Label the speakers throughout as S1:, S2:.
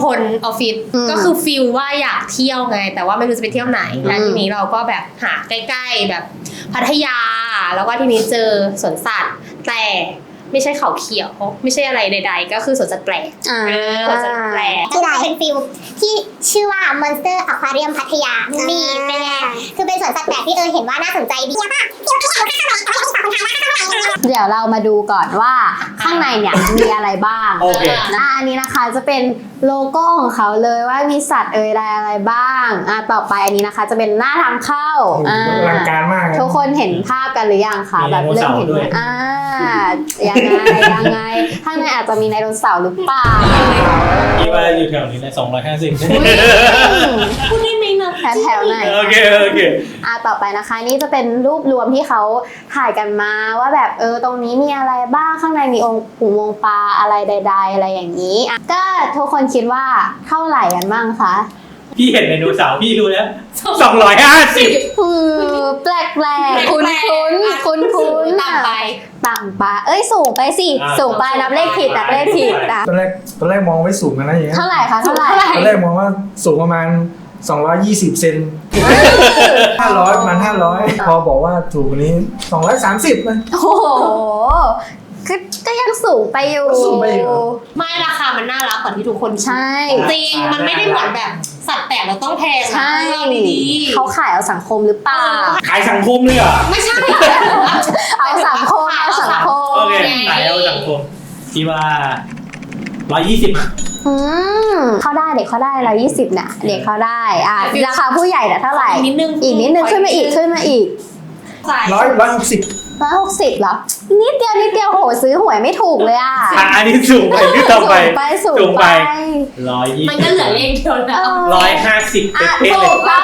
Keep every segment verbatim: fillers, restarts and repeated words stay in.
S1: พลออฟฟิศก็คือฟิลว่าอยากเที่ยวไงแต่ว่าไม่รู้จะไปเที่ยวไหนแล้วทีนี้เราก็แบบหาใกล้ๆแบบพัทยาแล้วก็ทีนี้เจอสวนสัตว์แต่ไม่ใช่เขาเขียวไม่ใช่อะไรใดๆก็คือสวนสัตว์แปลกเออสวนสัตว์แปลก
S2: ที่เราเป็นฟิลที่ชื่อว่า Monster Aquarium พัทยานี่เป็นไงคือเป็นสวนสัตว์แปลกที่เออเห็นว่าน่าสนใจดี
S3: เดี๋ยวเรามาดูก่อนว่าข้างในเนี่ยมีอะไรบ้างนะอันนี้นะคะจะเป็นโลโก้ของเขาเลยว่ามีสัตว์เอ่ยอะไรอะไรบ้างอ่ะต่อไปอันนี้นะคะจะเป็นหน้าทางเข้าอ่า
S4: อลังการมาก
S3: ทุกคนเห็นภาพกันหรือยังคะแบบเริ่มเห็นไหมอ่ายังไงยังไงข้างในอาจจะมีไดโนเสาร์หรือเปล่า
S5: คิดว่าอยู่แถวนี้เลยสองร้อยห้าสิบ
S1: พูดได้ไหมนะ
S3: แถวไหน
S5: โอเคโอเค
S3: อ่ะต่อไปนะคะนี่จะเป็นรูปรวมที่เขาถ่ายกันมาว่าแบบเออตรงนี้มีอะไรบ้างข้างในมีองค์อุโมงค์ปลาอะไรใดๆอะไรอย่างนี้ก็ทุกคนคิดว่าเท่าไหร่กันบ้างคะ
S5: พี่เห็นไดโนเสาร์พี่รู้แล้วสองร้อยห้าสิบ
S3: คือแปลกแปลกคุ้นคุ้นคุ้นคุ้น
S1: ต่ำไป
S3: ต่ำไปเอ้ยสูงไปสิสูงไปนับเลขผิดนับเลขผิดอ่ะ
S4: ตอนแรกตอนแรกมองไว้สูงกันนะอย่างเงี้ย
S3: เท่าไหร่คะเท่าไหร่
S4: ตอนแรกมองว่าสูงประมาณสองร้อยยี่สิบเซนห้าร้อยประมาณห้าร้อยพอบอกว่าถูกกว่านี้สองร้อยสามสิบเลย
S3: โอ้โหก็ก็ยังสูงไปอยู่
S4: สูงไปอยู่
S1: ไม่ราคามันน่ารักกว่าที่ทุกคน
S3: ใช่
S1: จริงมันไม่ได้เหมือนแบบสัตว์แปลกเราต้องแพง
S3: ใช่
S1: ดี
S3: เขาขายเอาสังคมหรือเปล่า
S5: ขายสังคมเลยเหรอ
S1: ไม่ใช่
S3: เอาสังคมเอาสังคม
S5: โอเคขายเอาสังคมที่ว่าร้อยยี่สิบ
S3: อืมเข้าได้เด็กเข้าได้ร้อยยี่สิบน่ะเด็กเข้าได้อ่ะราคาผู้ใหญ่น่ะเท่าไหร่
S1: นิดนึง
S3: อีกนิดนึงขึ้นมาอีกขึ้นมาอีก
S4: ร้อยร้อยหกสิบ
S3: ร้อยหกสิบเหรอนิดเดียวนิดเดียวโหซื้อหวยไม่ถูกเลยอ่ะ
S5: อันนี้สูงไปที่ต่อไป
S3: ไปสูงไป
S5: ร้อยยี่สิบ
S1: มันก็เหลือเลขเดียวแล้ว
S5: ร้อยห้าสิบเป๊ะเลย
S3: ถูกต้อง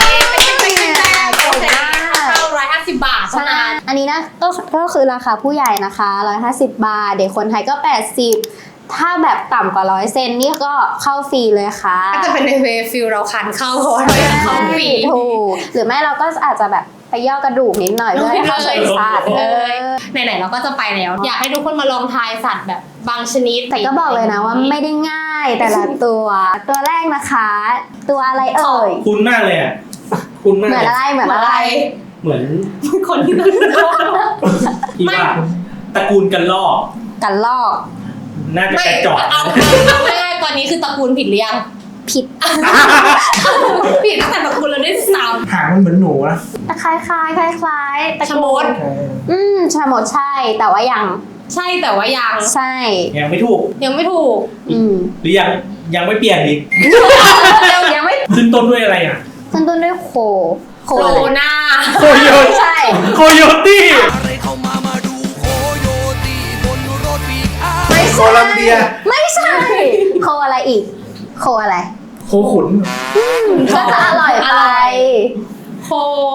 S1: ร้อยห้าสิบบาทเท่านั้น
S3: อันนี้นะก็ก็คือราคาผู้ใหญ่นะคะร้อยห้าสิบบาทเด็กคนไทยก็แปดสิบถ้าแบบต่ำกว่าร้อยเซนนี่ก็เข้าฟรีเลยค่ะ
S1: ก็จะเป็นในเวฟิลเราคันเข้าเพราะเราเข้าฟรี
S3: ถูกหรือไม่เราก็อาจจะแบบไปย่อกระดูกนิดหน่อยเพื่อให้เข้าใจสัตว์เออ
S1: ไหนๆเราก็จะไปแล้วอยากให้ทุกคนมาลองทายสัตว์แบบบางชนิด
S3: แต่ก็บอกเลยนะว่าไม่ได้ง่ายแต่ละตัวตัวแรกนะคะตัวอะไรเอ่ย
S5: คุ้นมากเลยอ่ะคุ้นมาก
S3: เหมือนอะไรเหมือนอะไร
S5: เหมือน
S1: คนที่นั่งรอ
S5: ที่ว่าตระกูลกันลอก
S3: กันลอก
S5: น่าจะกระจอก
S1: เอาไม่ได้ตอนนี้คือตระกูลผิดหรือยัง
S3: ผิด
S1: ผิดตั้งแต่ตระกูลเราได้สาม
S4: หางมันเหมือนหนูนะ
S3: คล้ายคล้ายคล้ายคล้าย
S1: ตระกูล
S3: อืมชะมดใช่แต่ว่ายัง
S1: ใช่แต่ว่ายัง
S3: ใช่
S5: ยังไม่ถูก
S1: ยังไม่ถูก
S3: อืม
S5: หรือยังยังไม่เปลี่ยนอีก
S3: ยังไม่
S5: ขึ้นต้นด้วยอะไรอ่ะ
S3: ขึ้นต้นด้วยโค
S1: โคนา
S5: โคโย
S3: ใช่
S5: โคโยตี้
S4: โคลัมเบีย
S3: ไม่ใช่โคอะไรอีกโคอะไร
S4: โคขุน
S3: ก็จะอร่อยไป
S1: โค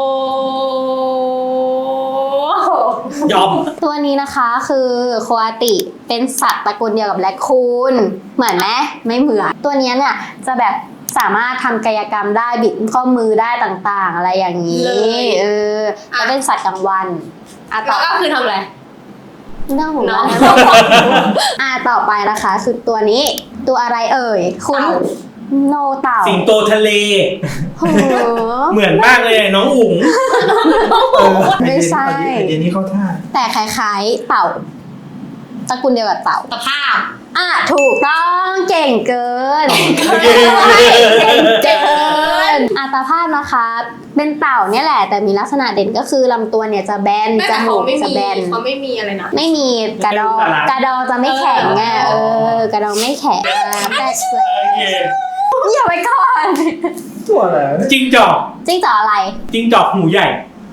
S5: ยอม
S3: ตัวนี้นะคะคือโคอาติเป็นสัตว์ตระกูลเดียวกับแรคคูนเหมือนไหมไม่เหมือนตัวนี้เนี่ยจะแบบสามารถทำกายกรรมได้บิดข้อมือได้ต่างๆอะไรอย่างนี้เออแล้วเป็นสัตว์กลางวัน
S1: อ่ะต่อก็คือทำอะไร
S3: เรื่องของเราอ่าต่อไปนะคะคือตัวนี้ตัวอะไรเอ่ยคุณโนเต่า
S5: สิงโตทะเลเหมือนมากเลยน้องอุ๋ง
S3: ไม่ใช่
S4: เดี๋ยวนี้เขาท่า
S3: แต่คล้ายๆเต่าตระกูลเดียวกับเต่า
S1: ตะภาพ
S3: อ่ะถูกต้องเก่งเกินเก่งเกินอ่ะตะภาพนะคะเป็นเต่าเนี่ยแหละแต่มีลักษณะเด่นก็คือลำตัวเนี่ยจะแบนจมูกจะแบน
S1: เขาไม่มีอะไรนะ
S3: ไม่มีกระดองกระดองจะไม่แข็งไงเออกระดองไม่แข็งแต่อย่าไปก่อน
S4: ตัวอะไร
S5: จิ้งจอก
S3: จิ้งจอกอะไร
S5: จิ้งจอกหูใหญ่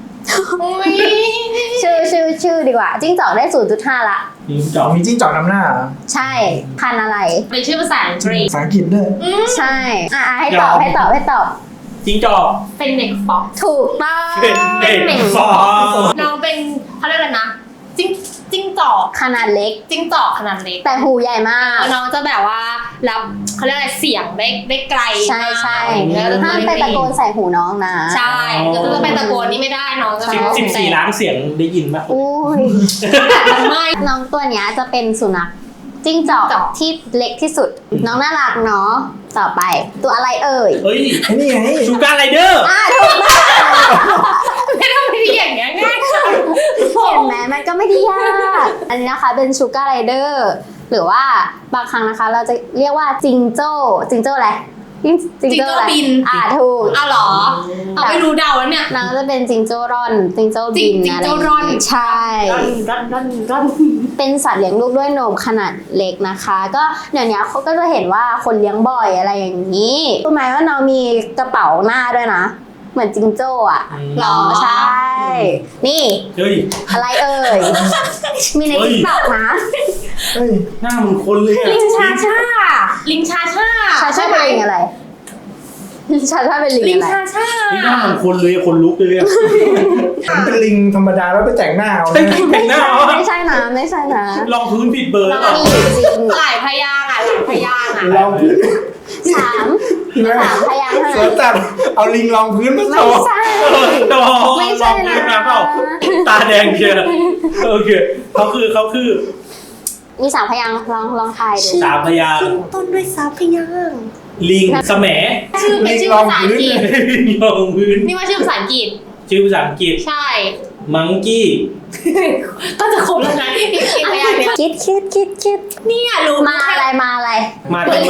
S3: ชื่อชื่อชื่อดีกว่าจิ้งจอกได้ ศูนย์จุดห้า ละ
S4: จิ้งจอกมีจิ้งจอกนำหน้า
S3: ใช่พันอะไร
S1: เป็นชื่อภาษาอังกฤษ
S4: ภาษาอังกฤษด้วย
S3: ใช่อ่ะให้ตอบให้ตอบให้ตอบ
S5: จิ้งจอก
S1: เป็นเด็กฟอก
S3: ถูกต้อง
S5: เป็นเด็กฟอก
S1: น้องเป็นเขาเรียกอะไรนะจิ้งจิ้งจอก
S3: ขนาดเล็ก
S1: จิ้งจอกขนาดเล็ก
S3: แต่หูใหญ่มาก
S1: น้องจะแบบว่ารับเขาเรียกอะไรเสียงได้ได้ไกล
S3: ใช่ใช่ห้ามไปตะโกนใส่หูน้องนะ
S1: ใช่ก็จะไปตะโกนนี่ไม่ได้น้องจะ
S5: สิบสี่ล้านเสียงได้ยินป่ะ
S3: อุ้ยไม่น้องตัวเนี้ยจะเป็นสุนัขจิ้งจอกที่เล็กที่สุดน้องน่ารักเนาะต่อไปตัวอะไรเอ่ย
S5: เฮ้ย
S4: ไอ้นี่ไง
S5: ชูการไรเดอร์
S3: อ่าถูกมาก
S1: ไม่ต้องไปที่อย่างเงี้ยง่ายจัง
S3: เห็นไหมมันก็ไม่ได้ยากอันนี้นะคะเป็นชูการไรเดอร์หรือว่าบางครั้งนะคะเราจะเรียกว่าจิงโจ้จิงโจ้อะไรจิงโจ้อะไรอ่าถูก
S1: เอาเหรอเอาไม่รู้เดาแล้วเนี่ย
S3: นางก็จะเป็นจิงโจ้ร่อนจิงโจ้บิน
S1: จิง
S3: อะไร
S1: โจ้ร่อน
S3: ใช่
S1: ร่อนร่อนร่อนร่อน
S3: เป็นสัตว์เลี้ยงลูกด้วยนมขนาดเล็กนะคะ ก็เดี๋ยวนี้เขาก็จะเห็นว่าคนเลี้ยงบ่อยอะไรอย่างนี้รู้ไหมว่าน้องมีกระเป๋าหน้าด้วยนะเหมือนจิงโจ้อะ
S1: หรอ
S3: ใช่ นี่
S5: เฮ้ย
S3: อะไรเอ่ย มีใน
S5: เฮ้ย
S3: ติ๊กต็อกนะ
S4: เฮ้ย
S5: หน้ามึงคนเลยอะ
S1: ลิงชาชาลิงชาชา
S3: ชาชาเป็นลิงอะไร ชาชาเป็นลิง
S1: ลิง
S3: อะไร
S1: ชาชา
S5: นี่หน้ามึงคนเลยคนลุกเลยอะ
S4: มันเป็นลิงธรรมดาแล้วไปแต่งหน้าเอา
S5: แต่ง
S4: นะ
S5: แต่งหน้าเหรอ
S3: ไม่ใช่นะไม่ใช่นะ
S5: ลองพื้นผิดเบอร์
S3: แล้วก็มีอยู่จริง
S1: หลายพยางค์อ่ะหลายพยางค์อ่ะ
S4: ลองพื้น
S3: สามสามพยางค์เท่า
S4: สว
S3: นั้น น
S4: สัตว์เอาลิงลองพื้นมา
S3: ไม่
S4: โชว์
S3: ใช่
S5: โอ้โห
S3: ไม่ใช่นะ
S5: ลองพื้มาเปล่าตาแดงเชียวโอเคเขาคือเขาคือ
S3: มีสามพยางค์ลองลองทายดู
S5: สามพยางค์
S1: ขึ้นต้นด้วยสามพยางค์
S5: ลิงสแหม
S1: ชื่อเป็นชื่อภาษาอังกฤษ
S5: ลิงลองพื้น
S1: นี่ว่าชื่อภาษาอังกฤษ
S5: ชื่อภาษาอังกฤษ
S1: ใช่
S5: มังกี้
S1: ก็จะครบแล้วนะอีกอีกพยางค์เนี้ย
S3: คิดคิดคิดคิด
S1: เนี่ยรู้
S3: มาอะไรมาอะไร
S5: มาทำไม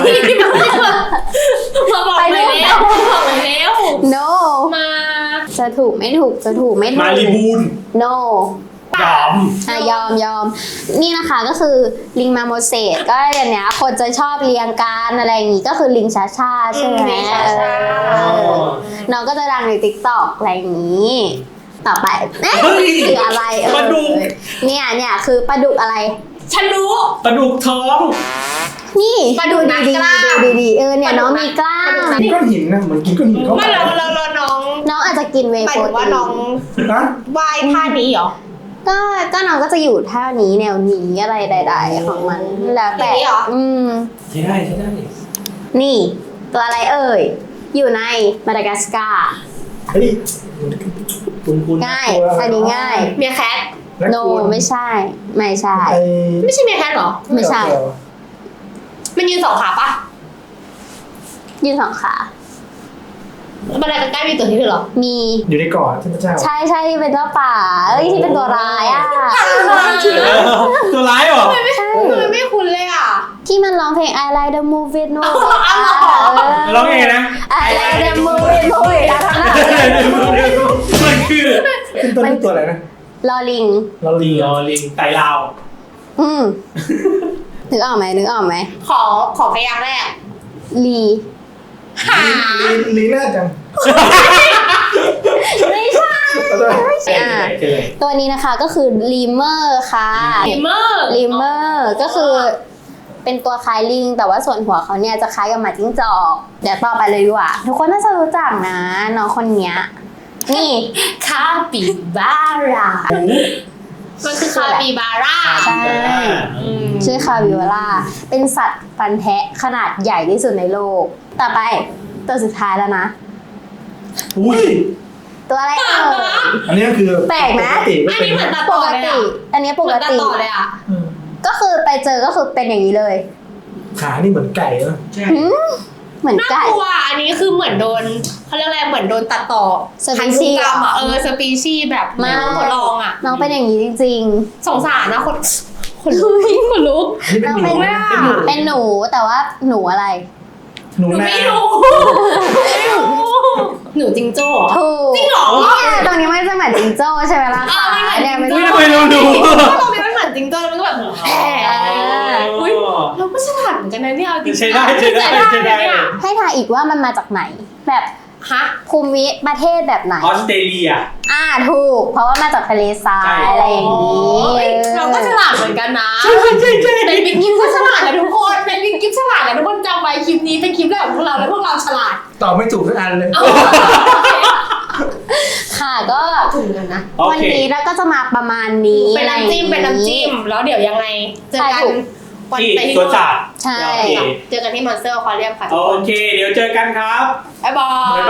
S1: มาบอก
S3: ไป
S1: เล
S3: ดู
S1: ยแล้วบอกเลยแล้ว
S3: no
S1: มา
S3: จะถูกไม่ถูกจะถูกไม่ถูก
S5: มารีบูน
S3: no
S5: ยอม
S3: อ่ะยอมยอมนี่นะคะก็คือลิงมาโมเสสก็อย่างเนี้ยคนจะชอบเรียงกันอะไรอย่างงี้ก็คือลิงชาชาใช่ไหม
S1: ลิงชาชา
S3: เออน้องก็จะดังในติ๊กต็อกอะไรอย่างนี้ ต่อไปเอ๊ะ
S5: เฮ้ย
S3: คืออะไรเออ
S5: ปลาดุก
S3: เนี่ยเนี่ยคือปลาดุกอะไร
S1: ฉันรู้
S5: ปลาดุกท้อง
S3: นี่
S1: ปลาดุก
S3: ดู
S1: นัก
S3: ดี
S1: กล้าม
S3: ๆดูดีๆเออเนี่ย
S1: ปลาดุก
S3: น้องมีกล้าม
S1: ปลาดุกนัก
S4: กินก้อนหินนะเหมือนกินก้อนหินเข้าไป
S1: ไม่เราเราเราน้อง
S3: น้องอาจจะกินเว
S1: ห
S3: ย์
S1: มาย
S3: โปร
S1: ถึงว่า
S3: ตี
S1: น้อง
S4: นะ
S1: ว่ายท่านี้เหรอ
S3: ก็ก็น้องก็จะอยู่ท่านี้แนวนี้อะไรใดๆของมันแล้วแต่
S1: อย่างนี้เหรอ
S3: อืม
S5: ใช่ได้ใช่ได้
S3: นี่ ตัวอะไรเอ่ย อยู่ในมาดากัสการ์
S4: เฮ้ย
S5: คุณคุณ
S3: ง่าย อันนี้ง่าย
S1: เมียแคท
S4: และ
S3: โน
S4: คุณ
S3: ไม่ใช่ ไม่ใช่
S4: ไอ้
S1: ไม่ใช่เมียแคทเหรอ
S3: ไม่ใช่
S1: มันยืนสองขาปะ
S3: ยืนสองขา
S1: บันไดใกล้ๆมีตัวที่ด้วยเหรอ
S3: มี
S4: อยู่ในเกาะเทพเจ้า
S3: ใช่ใช่ที่เป็นเจ้าป่า เอ้ยที่เป็นตัวร้ายอ่ะ
S5: ตัวร้ายเหรอ
S3: ใช่
S1: ทำไมไม่คุ้นเลยอ่ะ
S3: ที่มันร้องเพลง I like the movie นู่น
S1: อ๋อเหรอ
S5: ร้องไงนะ
S3: I like the movie นู่นแล้วทำหน้า
S5: มันคือ
S4: ขึ้นต้นด้วยตัวอะไรนะ
S3: ลอลิง
S4: เรา
S5: ลิ
S4: ลี
S5: งอ๋อลิงไตลาว
S3: อืมนึกออกไหมนึกออกไหม
S1: ขอขอพยางค์แรก
S3: ลี
S1: หา
S4: ลีลีน่าจัง
S3: ไม่ใช่
S4: เอาด้วย
S3: อ่ะตัวนี้นะคะก็คือลีเมอร์ค่ะ
S1: ลิมเมอร์
S3: ลีเมอร์ก็คือเป็นตัวคล้ายลิง แต่ว่าส่วนหัวเขาเนี่ยจะคล้ายกับหมาจิ้งจอกเดี๋ยวต่อไปเลยดีกว่าทุกคนน่าจะรู้จักนะน้องคนเนี้ยนี่
S1: คาปิบาร่ามันคือคาปิบาร่า
S3: ใช่
S1: อืม
S3: ชื่อคาบิวาร่าเป็นสัตว์ฟันแทะขนาดใหญ่ที่สุดในโลก ต่อไปตัวสุดท้ายแล้วนะ
S5: อุ้ย
S3: ตัวอะไรเอ่ย
S4: อันนี้ก็คือ
S3: แปลกไหม
S4: ปกติไม่
S1: อัน
S4: เป็น
S1: นี้เหมือนตัด
S3: ป
S1: ต่อก เลย
S3: ติ
S1: อ่ะ
S3: อันนี้ป
S1: เหมื
S3: ก
S1: อนตัด
S3: ติ
S1: ต่อเลยอ่ะ
S4: อืม
S3: ก็คือไปเจอก็คือเป็นอย่างนี้เลย
S4: ขานี่เหมือนไก่เนอะ
S5: ใช่
S3: หืมเหมือน
S1: น่า
S3: ไก่
S1: กลัวอันนี้คือเหมือนโดนเขาเรียกอะไรเหมือนโดนตัดต่อ
S3: สปี
S1: พันธุ
S3: ชีส์
S1: กรรมอ่ะเออสปีชีส์แบบ
S3: ไม่
S1: ทดลองอ่ะ
S3: น้องเป็นอย่างนี้จริง
S1: สงสารนะคนคนลุกคนลุก
S4: อันนี้เป็นหนู
S1: น้องเป็น
S4: นะ
S1: อะ
S4: เป็นหนู
S3: ๆ เป็นหนูแต่ว่าหนูอะไร
S4: หนู
S1: หนู
S4: นา
S1: ไม่รู้ไม่รู้หนูจิงโจ้เหรอ
S3: ถูก
S1: จริงเหรอ
S3: เนี่ยตรงนี้ไม่จะเหมือนจิงโจ้ใช่ไหมล่ะ
S1: เอ
S3: คะ
S1: อมันเหมือน
S3: เนี่ย
S1: จิ
S3: ไม่
S1: ง
S3: ใช่
S1: โจ้
S5: ไม่รู้ดู
S1: เพราะตรงนี้มันเหมือนจิงโจ้แล้วมันก็แบบแหมอุ้ยเราก็ฉลาดเหมือนกันนะเนี่ยเอาจริงๆ
S5: ใช่ได้ใช่ได้ใช่ได้
S1: เนี่ย
S3: ให้ทายอีกว่ามันมาจากไหน แบบ
S1: ฮะ
S3: ภูมิประเทศแบบไหน
S5: ออสเตรเลีย
S3: อ่าถูก เพราะว่ามาจากทะเลทรา
S5: ใช่
S3: ยอะไรอย่างนี้
S1: โอ้ยเราก็ฉลาดเหมือนกันนะ
S5: ใช่ใช่ใช่
S1: เป็นบิ๊กกิฟก็ฉลาดนะทุกคนเป็นบิ๊กกิฟฉลาดนะทุกคนจำไว้คลิปนี้เป็นคลิปแรกของพวกเราแล้วพวกเราฉลาด
S4: ตอบไม่ถูกทุกอันเลย
S1: เอา
S3: ค่ะก็
S1: ถูกกันนะ
S5: โอ
S3: วัน
S5: เค
S3: นี้เราก็จะมาประมาณนี้
S1: เป็นน้ำจิ้มเป็นน้ำจิ้มแล้วเดี๋ยวยังไงเจอกันวัน
S5: ที่
S1: ไปที่
S5: สวนสัตว์
S3: ใช่
S5: โอเค
S1: เจอกันที่มอนสเตอร์อควาเรียมค่ะ
S5: โอเค เดี๋ยวเจอกันครับ
S1: บ๊ายบาย